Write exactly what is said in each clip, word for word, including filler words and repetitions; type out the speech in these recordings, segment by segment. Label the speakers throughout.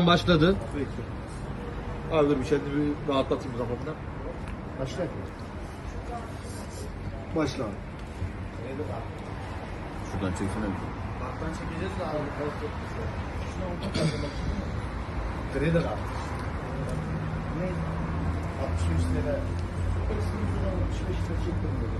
Speaker 1: an başladı.
Speaker 2: Peki. Abi dur bir kendimi bir rahatlatayım kafamdan.
Speaker 3: Başla. Başla abi.
Speaker 1: Şuradan çeksene bir.
Speaker 3: Baktan çekeceğiz de abi. Şuna orta kaldırmak. Kredi abi. Ne? altmış beş lira. altmış beş lira çektim dedi.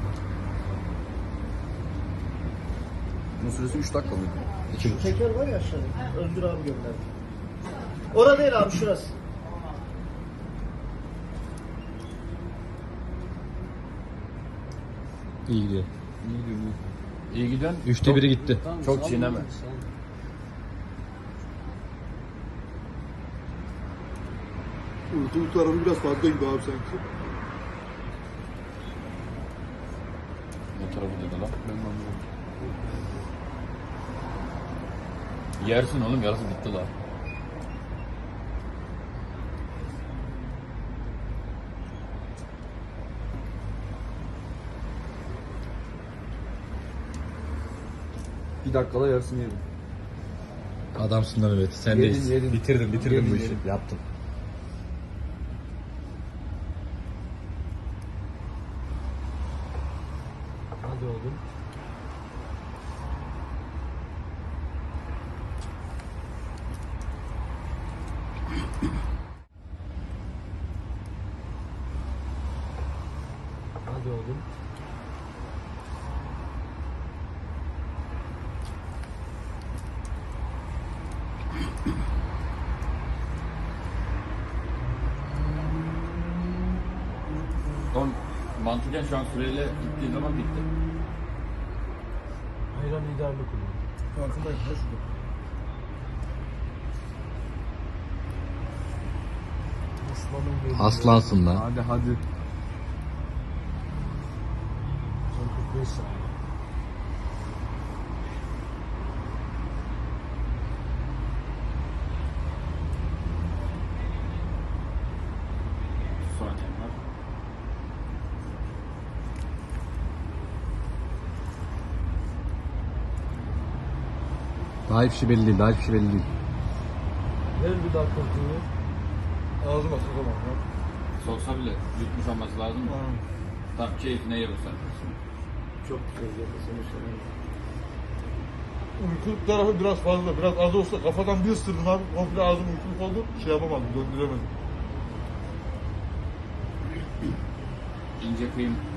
Speaker 1: Bunun süresi üç dakika mıydı? iki buçuk.
Speaker 3: Teker var ya aşağıda. Özgür abi gönderdi. Orada değil abi, şurası.
Speaker 1: İyi gidiyor.
Speaker 4: İyi gidiyor. İyi giden.
Speaker 1: Üçte biri gitti.
Speaker 4: Çok çiğneme.
Speaker 2: Uyku uyku arabı biraz fazla gibi abi sanki.
Speaker 4: Ne tarafı dedi lan? Ben anlamadım. Yersin oğlum, yarısı bitti lan.
Speaker 2: Bir dakikada yarısını yedim.
Speaker 1: Adamsın lan evet. Sendeyiz.
Speaker 2: Yedin, yedin.
Speaker 1: Bitirdin, bitirdin
Speaker 2: Yedin,
Speaker 1: bu işi.
Speaker 2: yedin.
Speaker 1: Yaptın.
Speaker 3: Hadi oğlum. Hadi oğlum.
Speaker 4: Son mantıken şu an süreyle gittiği zaman bitti.
Speaker 3: Hayran liderlik oluyor.
Speaker 2: Farkındayım ya şurada.
Speaker 3: Aslanın geliyor.
Speaker 1: Aslansın lan.
Speaker 2: Hadi hadi.
Speaker 3: Son kırk beş saniye.
Speaker 4: Saniyen var.
Speaker 1: Daha hiçbir şey belli değil. Daha hiçbir şey belli değil.
Speaker 3: Ver bir daha kontrolü.
Speaker 2: Ağzıma sokamam ya.
Speaker 4: Soksa bile yutmuş olması lazım mı? Tam keyfine ye bu sen.
Speaker 3: Çok güzel yapasını söyleyeyim.
Speaker 2: Uyku tarafı biraz fazla. Biraz az olsa kafadan bir ısırdım abi. Komple ağzım uykuluk oldu. Şey yapamadım, döndüremedim.
Speaker 4: İnce kıyım